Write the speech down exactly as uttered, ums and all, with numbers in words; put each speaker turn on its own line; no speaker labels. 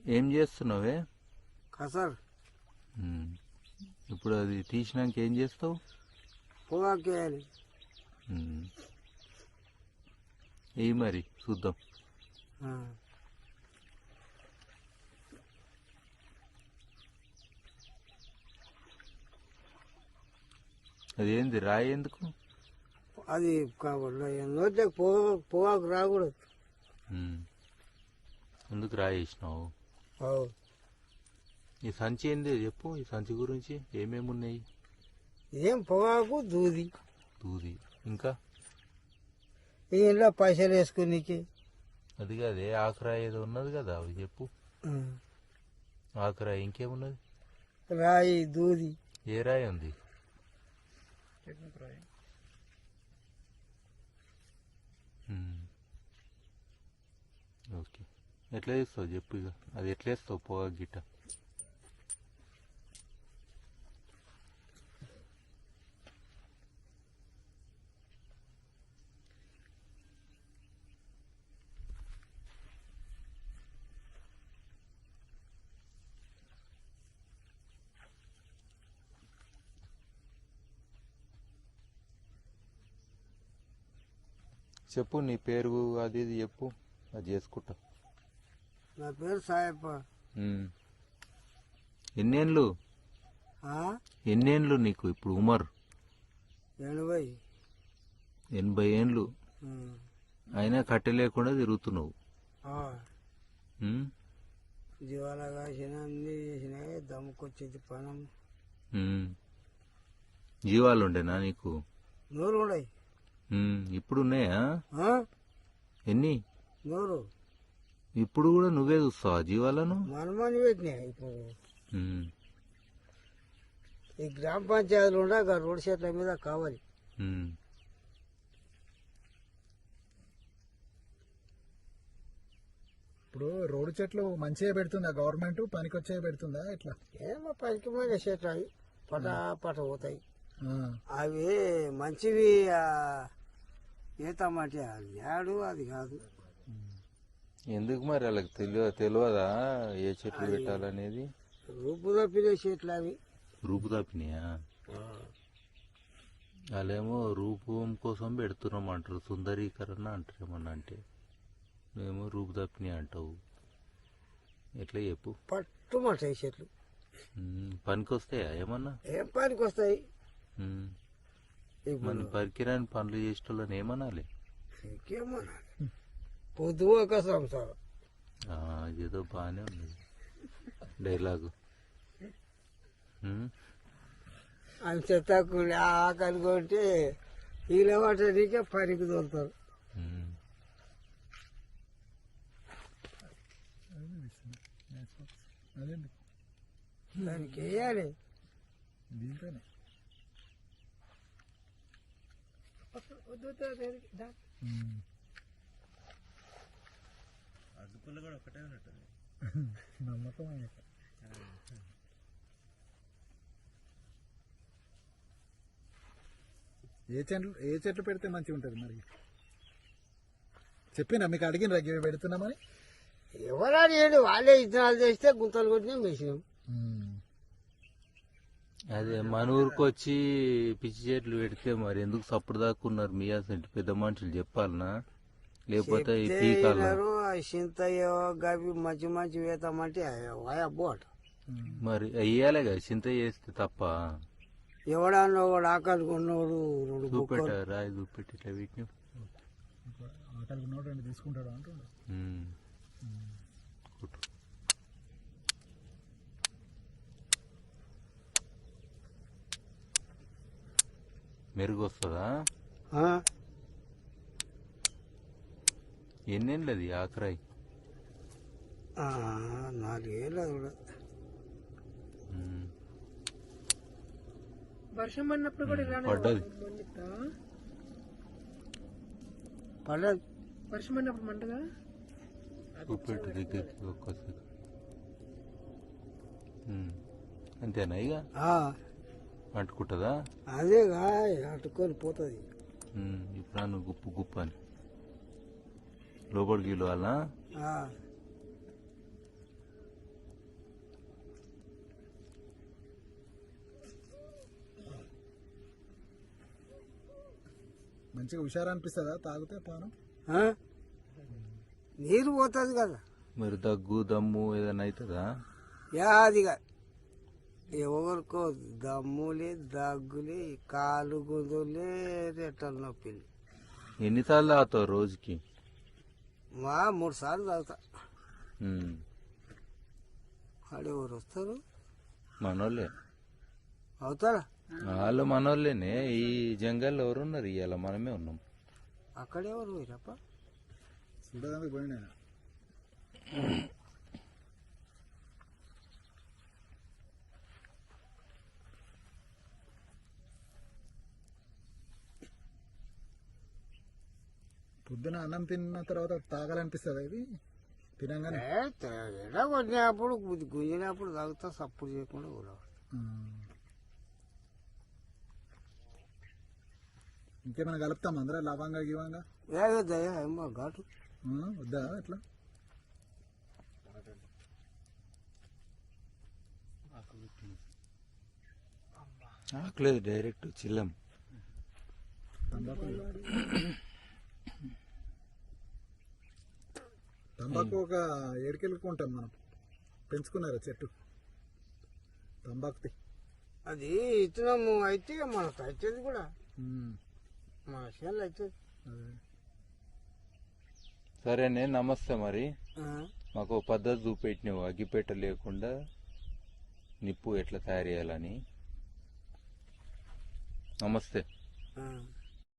ఏం చేస్తున్నావే?
కసర్.
ఇప్పుడు అది తీసినాక ఏం చేస్తావు?
పొగాకు వేయాలి.
ఏ మరి చూద్దాం. అదేంది రాయి ఎందుకు?
అది నోట్లోకి పొగా పొగాకు రాకూడదు.
ఎందుకు రాయి వేసినావు? ఈ సంచి ఏంది చెప్పు. ఈ సంచి గురించి ఏమేమి ఉన్నాయి?
ఏం పొగాకు, దూది.
దూది ఇంకా
ఇంట్లో పైసలు వేసుకునికి.
అది కాదే ఆకురాయి ఏదో ఉన్నది కదా, అవి చెప్పు. ఆకురాయి ఇంకేమున్నది?
రాయి, దూది.
ఏ రాయి ఉంది? ఓకే, ఎట్లా చేస్తావు చెప్పు. ఇక అది ఎట్లా వేస్తావు పొగా గిట్ట? చెప్పు, నీ పేరు అది ఇది చెప్పు, అది చేసుకుంటా.
నా పేరు సాయప్ప.
ఎన్నేళ్ళు ఎన్నేళ్ళు నీకు ఇప్పుడు ఉమర్?
ఎనభై
ఎనభై ఏండ్లు అయినా కట్టె లేకుండా తిరుగుతున్నావు.
జీవాల కాసిన అన్ని చేసినాయి. దమ్ముకొచ్చేది పనం.
జీవాలు ఉండేనా నీకు?
నూరు ఉన్నాయి.
ఇప్పుడు ఉన్నాయా? ఎన్ని?
నూరు.
ఇప్పుడు కూడా నువ్వే చూస్తావా జీవాలను?
మనమని పెట్టినాయి. ఇప్పుడు ఈ గ్రామ పంచాయతీలు ఉండే రోడ్ సెట్ల మీద కావాలి.
ఇప్పుడు రోడ్డు చెట్లు మంచిగా పెడుతుందా గవర్నమెంట్? పనికొచ్చే పెడుతుందా ఎట్లా?
ఏమో పనికి పోయిన చెట్లు అవి పట పట పోతాయి. అవి మంచివి ఏతామంటే అది యాడు అది కాదు.
ఎందుకు మరి వాళ్ళకి తెలియ తెలియదా ఏ చెట్లు పెట్టాలనేది?
రూపు తప్పిన చెట్లు అవి.
రూపు తప్పినాయా? వాళ్ళేమో రూపం కోసం పెడుతున్నాం అంటారు, సుందరీకరణ అంటారు. ఏమన్నా అంటే మేము రూపు తప్పినాయి అంటావు. ఎట్లా చెప్పు.
పట్టుమంటాయి చెట్లు.
పనికి వస్తాయా ఏమన్నా?
ఏం పనికి వస్తాయి?
మన పరికిరాని పనులు చేసేటోళ్ళని ఏమనాలి?
ఇంకేమనాలి? పొద్దు ఒక సంసారం.
ఏదో బాగానే ఉంది డైలాగు.
అని చెత్తకుండా ఆకలి కొంటే వీళ్ళ వాటికే పనికి తోలుతారు. దానికి వేయాలి.
దీంట్లోనే
అగ్గిపుల్ల కూడా ఒకటే ఉన్నట్టుంది.
నమ్మకం. ఏ చెట్లు ఏ చెట్లు పెడితే మంచిగా ఉంటుంది మరి? చెప్పినా మీకు అడిగిన రగ్గి పెడుతున్నామని.
ఎవరని ఏంటి వాళ్ళే ఇత్తనాలు చేస్తే గుంతలు కొట్టినా వేసినాం.
అదే మన ఊరికి వచ్చి పిచ్చి చెట్లు పెడితే మరి ఎందుకు సప్పుడు దాక్కున్నారు? మీ అసలు పెద్ద మనుషులు చెప్పాలనా? లేకపోతే
చింతయ్యో గవి మంచి మంచి వేతామంటే బోట
మరి అయ్యాలే కదా. చింత చేస్తే తప్ప
ఎవడన్నా వాడు ఆకలి కొన్నోడు
చూపెట్ట రాయి చూపెట్టి ఇట్లా వీటిని
ఆకలి కొన్నోడు తీసుకుంటాడు అంటుండు.
మెరుగు వస్తుందా? ఎన్నేళ్ళు అది ఆకరాయి?
నాలుగేళ్ళు.
వర్షం పడినప్పుడు కూడా ఇలానే
పడ్డది.
పడ్డది.
వర్షం పడినప్పుడు మంటగా
చూపెట్టు దగ్గరికి ఒక్కసారి. అంతేనా? ఇక అంటుకుంటుందా?
అదేగా అంటుకొని పోతుంది.
ఇప్పుడు నన్ను గుప్పు గుప్పు అని లోపలికి వెళ్ళాలా?
మంచిగా హుషారు అనిపిస్తుందా తాగితే పానం?
ఆ? నీరు పోతుంది కదా.
మరి దగ్గు దమ్ము ఏదైనా అవుతుందా?
యాదిగా ఎవరికో దమ్ములే దగ్గులే కాలు గుందులే రెట్టల నొప్పిలు.
ఎన్నిసార్లు తాగుతావు రోజుకి?
మా మూడు సార్లు తాగుతా.
ఉమ్.
ఆడు ఎవరు వస్తారు?
మనోళ్ళే.
అవుతారా?
వాళ్ళు మనోళ్ళేనే. ఈ జంగల్లో ఎవరున్నారు? ఇవాళ మనమే ఉన్నాం.
అక్కడెవరు పోయిరప్ప?
చూడడానికి పోయినా. పొద్దున అన్నం తిన్న తర్వాత తాగాలనిపిస్తుంది ఇది తినగానే.
ఎడ కొట్టినప్పుడు గుంజినప్పుడు తాగుతా, సప్పుడు చేయకుండా కూడా.
ఇంకేమైనా కలుపుతాం అందరూ లవంగా గివంగా?
దయా ఏమో ఘాటు
వద్దా ఎట్లా?
ఆకలేదు, డైరెక్ట్ చిల్లం.
తంబాకు తంబాకు ఒక ఏడుకెళ్ళుకుంటాం మనం. పెంచుకున్నారా చెట్టు తంబాకుది?
అది ఇతనము అయితే మనకు అవుతుంది కూడా, మన చేనులు అవుతుంది.
సరేనే, నమస్తే. మరి మాకు ఓ పద్ధతి చూపెట్టినావు, అగ్గిపెట్ట లేకుండా నిప్పు ఎట్లా తయారు చేయాలని. నమస్తే.